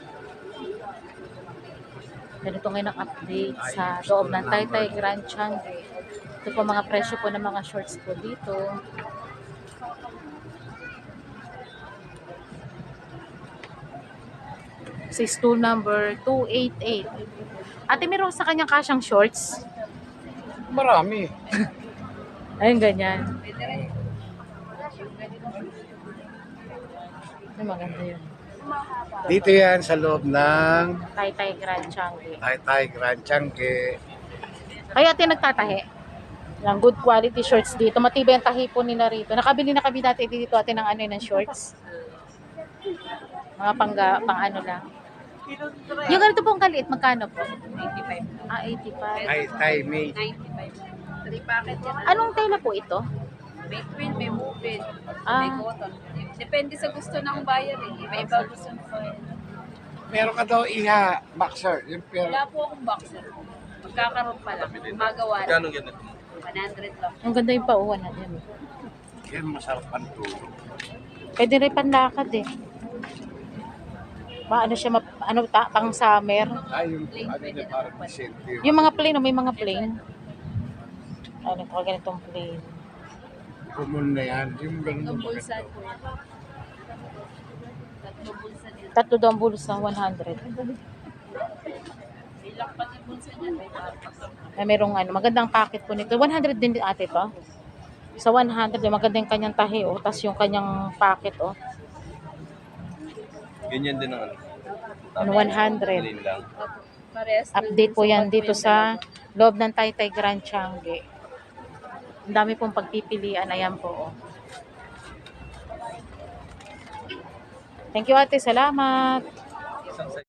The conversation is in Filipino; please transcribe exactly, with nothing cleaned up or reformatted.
Ganito ngayon ang update sa loob ng Taytay Grand Changi. Ito po mga presyo po ng mga shorts po dito. Sa stool number two eighty-eight. Ate, meron sa kanyang kasyang shorts? Marami. Ayun, ganyan. Ay, maganda yun. Dito yan sa loob ng Taytay Grand Changi. Taytay Grand Changi. Kaya ate nagtatahi. Ng good quality shorts dito. Matibay ang tahi po nila rito. Nakabili na kami dati dito ate ng ano yun, ng shorts. Mga pang, pang ano lang. Yung ganito pong kaliit, magkano po? eighty-five. Ah, eighty-five. Taytay May. ninety-five. Three packet yan. Anong tela po ito? May twin, may woven, Ah. may cotton. Depende sa gusto ng buyer eh. Iba-iba gusto ng buyer. Meron ka daw iha, boxer. Yung pero, Wala po akong boxer. Magkakaroon pa lang. Gumagawa lang. Magkano ganito? one hundred lang. Ang ganda yung pauwan na din. yan masarap ang tulog. Pwede rin panlakad eh. Maano siya, map, ano, ta, pang summer. Ay, yung ano niya parang disente. Yung mga plain, oh, may mga plain. Ano ko ganitong plain. Common na yan. Yung ganun Tatlong mo bulsa maganda. po. Tatlong bulsa din. Tatlo daw ang bulsa, one hundred. May lakpat yung bulsa niya. May papas. Na merong ano, magandang packet po nito. one hundred din ate to. Sa one hundred, yung maganda yung kanyang tahi, oh. Tapos yung kanyang packet, oh. Ganyan din ang ano. Ano, one hundred. Plain lang. Parehas din Update po sa yan pag- dito sa loob ng Taytay Grand Changi. Ang dami pong pagpipilian. Ayan po, oh. Thank you ate. Salamat.